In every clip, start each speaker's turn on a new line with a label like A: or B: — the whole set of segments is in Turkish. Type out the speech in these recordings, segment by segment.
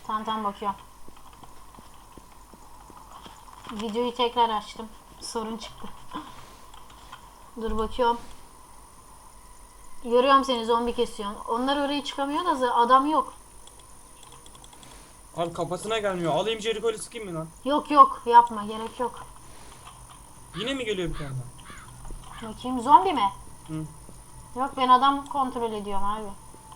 A: Tamam bakıyorum. Videoyu tekrar açtım. Sorun çıktı. Dur bakıyorum. Görüyorum seni, zombi kesiyorsun. Onlar oraya çıkamıyor da adam yok.
B: Abi kafasına gelmiyor. Alayım Jericho'yu sıkayım mı lan?
A: Yok yapma, gerek yok.
B: Yine mi geliyor bir tane daha?
A: Bakayım, zombi mi?
B: Hı.
A: Yok, ben adam kontrol ediyorum abi.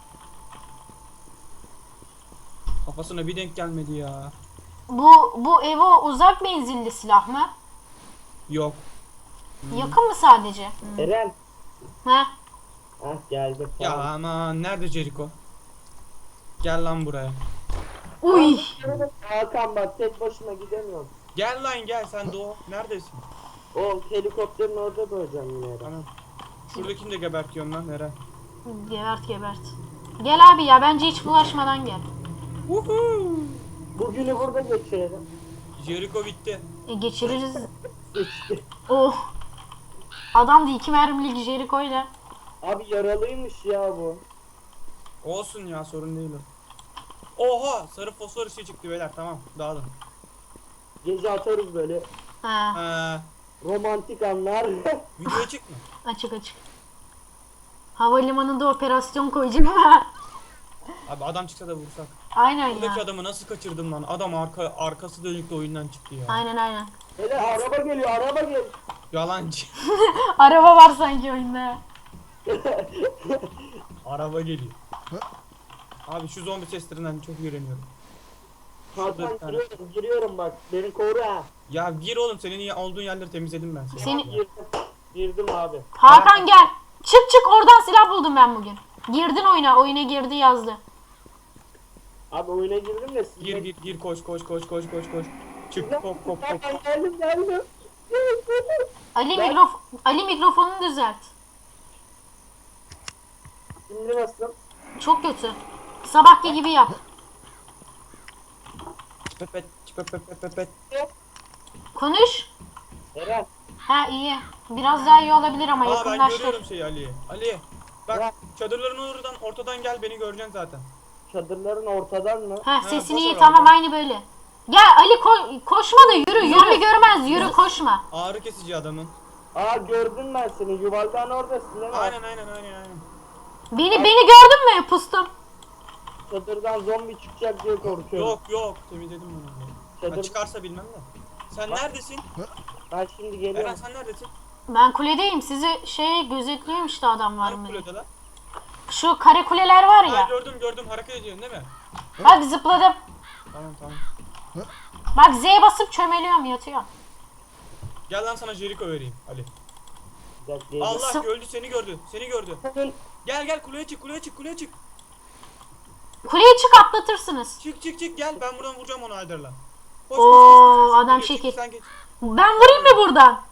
B: Kafasına bir denk gelmedi ya.
A: Bu Evo uzak menzilli silah mı?
B: Yok.
A: Yakın mı sadece?
C: Eren.
A: He?
C: Ah geldi.
B: Ya aman nerede Jericho? Gel lan buraya.
A: Uy!
C: Hakan bak tek başıma gidemiyorum.
B: Gel lan gel sen Doğu. Neredesin?
C: O helikopterin orada duracağım yine Eren.
B: Tamam. Şuradakini de gebertiyorum lan Eren.
A: Gebert. Gel abi ya, bence hiç bulaşmadan gel.
B: Woohoo!
C: Bugünü burada geçirelim.
B: Jericho bitti.
A: Geçiririz.
C: İşte.
A: Oh! Adam da 2 mermilik Jericho'yla.
C: Abi yaralıymış ya bu.
B: Olsun ya sorun değil o. Oha sarı fosfor ışığı çıktı beyler tamam dağılın.
C: Gece atarız böyle
A: Ha,
C: romantik anlar.
B: Video çık mı?
A: açık. Havalimanında operasyon koyacağım ha.
B: Abi adam çıksa da vursak.
A: Aynen
B: Buradaki
A: ya.
B: adamı nasıl kaçırdım lan? Adam arkası dönükle oyundan çıktı ya.
A: Aynen.
C: Hele araba geliyor araba gel.
B: Yalancı.
A: Araba var sanki oyunda.
B: Araba geliyor. Abi şu zombi seslerinden çok öğreniyorum.
C: Hakan giriyorum bak beni koru ha.
B: Ya gir oğlum senin olduğun yerleri temizledim ben seni.
A: Seni...
C: Girdim abi.
A: Hakan gel. Çık oradan, silah buldum ben bugün. Girdin oyuna girdi yazdı.
C: Abi oyuna girdim de siz
B: Gir koş. Çık kop.
C: Geldim.
A: Ali mikrofonunu düzelt.
C: Şimdi nasıl?
A: Çok kötü. Sabahki gibi yap.
B: Pepet.
A: Konuş.
C: Eren.
A: Ha, iyi. Biraz daha iyi olabilir ama
B: Aa ben
A: yakınlaştır.
B: görüyorum şeyi Ali. Ali. Bak
C: Ya.
B: çadırların ortadan gel beni göreceksin zaten.
C: Çadırların ortadan mı?
A: Ha,
B: Ha,
A: sesini
B: boş
A: iyi,
B: ver
A: tamam,
B: orada.
A: aynı böyle. Gel Ali, koşma da yürü. Zombi görmez, yürü, koşma.
B: Ağrı kesici adamın.
C: Aa gördüm ben seni. Yuvarlağın oradasın değil mi?
B: Aynen.
A: Beni gördün mü? Pustum.
C: Çadırdan zombi çıkacak diye korkuyorum.
B: Yok temizledim bunu.
C: Çadır...
B: Ha, çıkarsa bilmem de. Sen neredesin?
C: Ben şimdi
B: Eren
C: geliyorum.
B: sen neredesin?
A: Ben kuledeyim. Sizi gözetliyorum işte, adam var
B: Hangi
A: mı diye.
B: kulede lan?
A: Şu kare kuleler var
B: Ha
A: ya.
B: gördüm hareket ediyorsun değil mi?
A: Bak zıpladım.
B: Tamam.
A: Bak Z'ye basıp çömeliyorum, yatıyorum.
B: Gel lan sana Jericho vereyim Ali.
C: Bir dakika, geliyorum.
B: Allah
A: Sık-
B: gördü seni gördü. Gel kuleye çık.
A: Kuleyi çık, atlatırsınız.
B: Çık gel ben buradan vuracağım onu Haydar'la. Koş,
A: Oo, adam
B: Geliyor,
A: şekil.
B: çık, sen geç.
A: Ben vurayım mı buradan?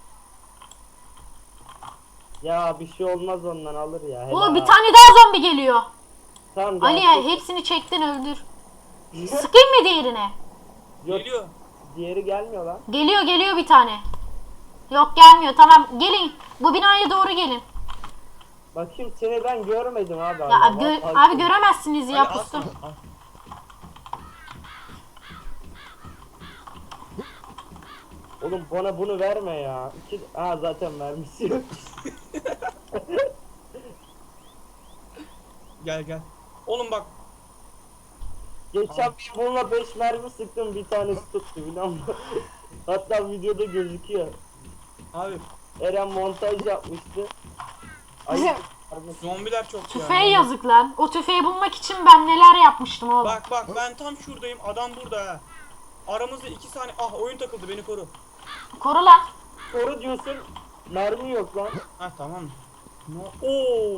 C: Ya bir şey olmaz ondan alır ya.
A: Oo, bir
C: helal.
A: tane daha zombi geliyor.
C: Tamam,
A: Ali
C: gel.
A: hepsini çektin, öldür. Sıkayım mı diğerine?
C: Yok,
B: Geliyor.
C: diğeri gelmiyor lan.
A: Geliyor bir tane. Yok, gelmiyor, tamam, gelin. Bu binaya doğru gelin.
C: Bakayım seni ben görmedim abi.
A: Ya
C: Allah,
A: abi göremezsiniz
B: Ali,
A: ya,
B: al
A: pustum.
B: sana, al.
C: Oğlum bana bunu verme ya. Zaten vermişsin.
B: Gel. Oğlum bak.
C: Geçen bir bununla 5 mermi sıktım, bir tanesi tuttu biliyor musun? Hatta videoda gözüküyor.
B: Abi
C: Eren montaj yapmıştı. Ay,
B: zombiler çok ya.
A: Tüfeğe yazık lan. O tüfeği bulmak için ben neler yapmıştım oğlum.
B: Bak ben tam şuradayım. Adam burada ha. Aramızda 2 saniye. Ah oyun takıldı beni koru.
A: Koru lan.
C: soru diyorsun, mermi yok lan.
B: Ha tamam. No.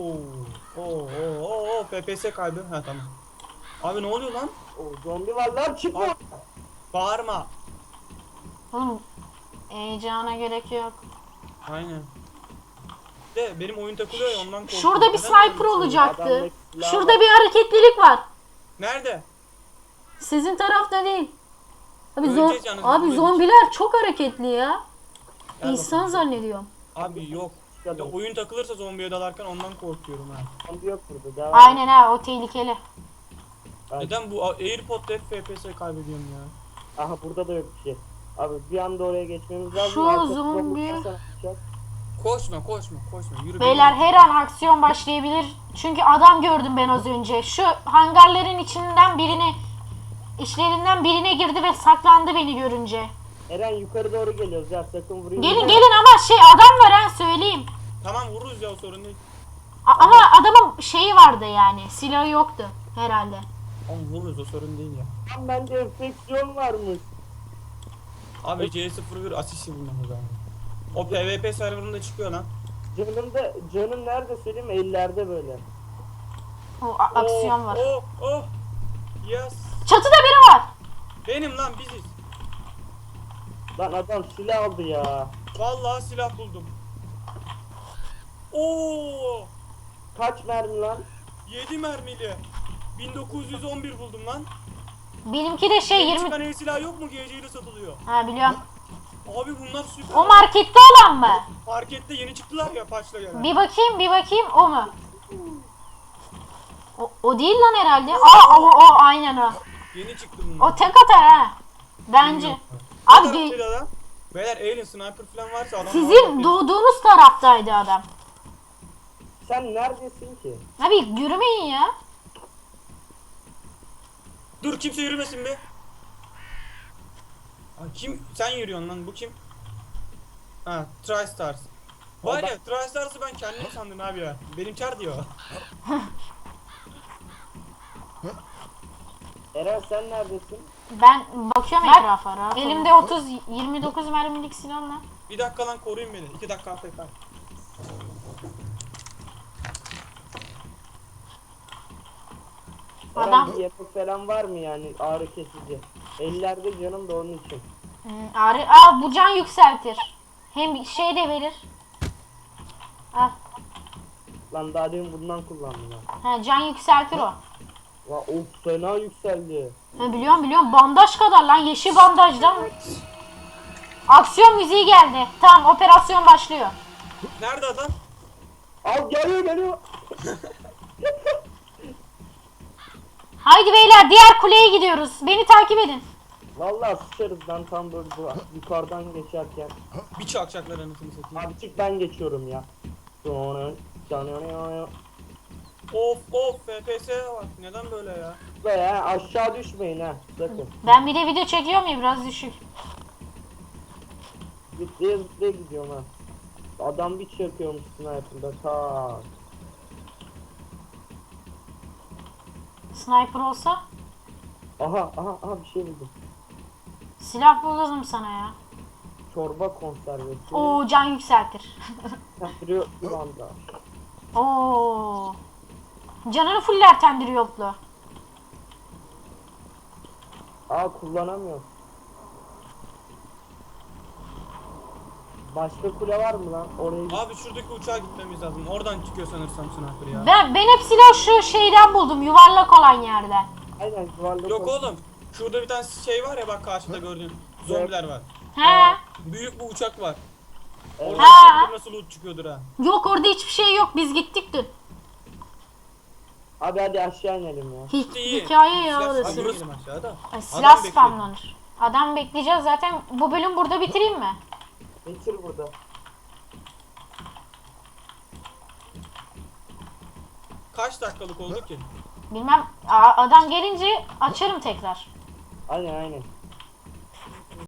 B: Oo. FPS kaybı. Ha tamam. Abi ne oluyor lan?
C: O zombi var lan, çıkma.
B: Bak. Bağırma.
A: Oğlum heyecana gerek yok.
B: Aynen. De benim oyun takılıyor ya ondan korkuyorum.
A: Şurada bir
B: Neden
A: sniper
B: böyle bir şey
A: olacaktı.
C: Adamdaki silah
A: Şurada
C: var.
A: bir hareketlilik var.
B: Nerede?
A: Sizin tarafta değil. Abi,
B: Öleceğiz yalnız,
A: abi
B: öleceğiz.
A: zombiler çok hareketli ya.
B: Gel
A: İnsan
B: bakalım.
A: zannediyorum.
B: Abi yok. Ya
C: Adam.
B: oyun takılırsa zombiye dalarken ondan korkuyorum ha.
C: Zombi yok burada, devam.
A: Aynen ha, o tehlikeli.
C: Ay.
B: Neden bu AirPod'da FPS kaybediyorum ya?
C: Aha burada da yok bir şey. Abi bir anda oraya geçmemiz lazım.
A: Şu
C: Arkasında
A: zombi-
C: bulursan atacak.
B: Koşma yürü.
A: Beyler her an aksiyon başlayabilir. Çünkü adam gördüm ben az önce. Şu hangarların içlerinden birine girdi ve saklandı beni görünce.
C: Eren yukarı doğru geliyoruz ya, sakın vurayım.
A: Gelin ama adam var ha, söyleyeyim.
B: Tamam vururuz ya, sorun değil.
A: Ama adamın şeyi vardı yani. Silahı yoktu herhalde.
B: Tamam vururuz, o sorun değil ya.
C: Lan bende enfeksiyon varmış.
B: Abi C01 asist bulmamız lazım. O PvP serverında çıkıyor lan.
C: Canım nerede söyleyeyim, ellerde böyle.
A: O aksiyon var.
B: Oh. Yes.
A: Çatıda biri var.
B: Benim lan, biziz.
C: Lan adam silah aldı ya.
B: Vallahi silah buldum. Oo!
C: Kaç mermi lan?
B: 7 mermili. 1911 buldum lan.
A: Benimki de şey 20.
B: Çıkan el silah yok mu? GC'de satılıyor.
A: Ha biliyorum.
B: Abi bunlar süper.
A: O markette olan mı?
B: Markette yeni çıktılar ya, paçla gelen.
A: Bir bakayım o mu? O değil lan herhalde. O aynen o.
B: Yeni çıktı bunlar.
A: O tek atar ha. Bence. Abi
B: Abi adam. Beyler alien sniper falan varsa adam.
A: sizin doğduğunuz taraftaydı adam.
C: Sen neredesin ki?
A: Abi yürümeyin ya.
B: Dur, kimse yürümesin be. Aa, kim? Sen yürüyorsun lan, bu kim? Ha, TriStars. Var ya, TriStars'ı ben kendim sandım abi ya. Benim çar diyor.
C: Eren sen neredesin?
A: Ben bakıyorum etrafa. rahat olun. Elimde 29 mermilik silahla.
B: Bir dakika lan, koruyun beni. 2 dakika AFK.
A: Adam-
C: Eren bir yapı falan var mı yani, ağrı kesici? Ellerde canım da onun için.
A: Bu can yükseltir. Hem şey de verir. Al.
C: Lan daha demin bundan kullandım ya.
A: Ha, can yükseltir o.
C: Va of, fena yükseldi.
A: Ha, biliyorum. Bandaj kadar lan. Yeşil bandajdan. Aksiyon müziği geldi. Tamam, operasyon başlıyor.
B: Nerede adam?
C: Al geliyor.
A: Haydi beyler, diğer kuleye gidiyoruz. Beni takip edin.
C: Vallahi sıçarız, ben tam böyle yukarıdan geçerken.
B: Bir çakacaklar anasını satayım.
C: Abi çık, ben geçiyorum ya. Sonra
B: Of FPS'ye bak. Neden böyle ya?
C: ya aşağı düşmeyin ha, sakın.
A: Ben bir de video çekiyorum ya, biraz düşük.
C: Zıplaya gidiyorum ha. Adam bir çakıyormuş sniper'da, ta.
A: Sniper olsa
C: Aha bir şey buldum.
A: silah bulurum sana ya.
C: Çorba konservesi.
A: Oo, can yükseltir.
C: Duruyor şu anda.
A: Oo. Canını fuller tendiri yoklu.
C: Kullanamıyorum. Başka kule var mı lan? Oraya git.
B: Abi şuradaki uçağa gitmemiz lazım. Oradan çıkıyor sanırsam sniper ya.
A: Ben hep silah şu şeyden buldum, yuvarlak olan yerden.
C: Aynen yuvarlak.
B: Yok oğlum. Şurada bir tane şey var ya, bak karşıda gördüğün zombiler var.
A: He.
B: Büyük bir uçak var.
C: Evet.
B: Orada
A: Ha.
B: kim nasıl loot çıkıyordur ha.
A: Yok, orada hiçbir şey yok. Biz gittik dün.
C: Abi hadi aşağı inelim ya.
B: İyi.
A: Hikaye ya
B: Silah
A: orası.
B: spamlayalım aşağıda.
A: Silah
B: Adam bekliyor.
A: spamlanır. Adam bekleyeceğiz zaten. Bu bölüm burada bitireyim mi?
C: Bitir burada.
B: Kaç dakikalık oldu ki?
A: Bilmem. Adam gelince açarım tekrar.
C: Aynen.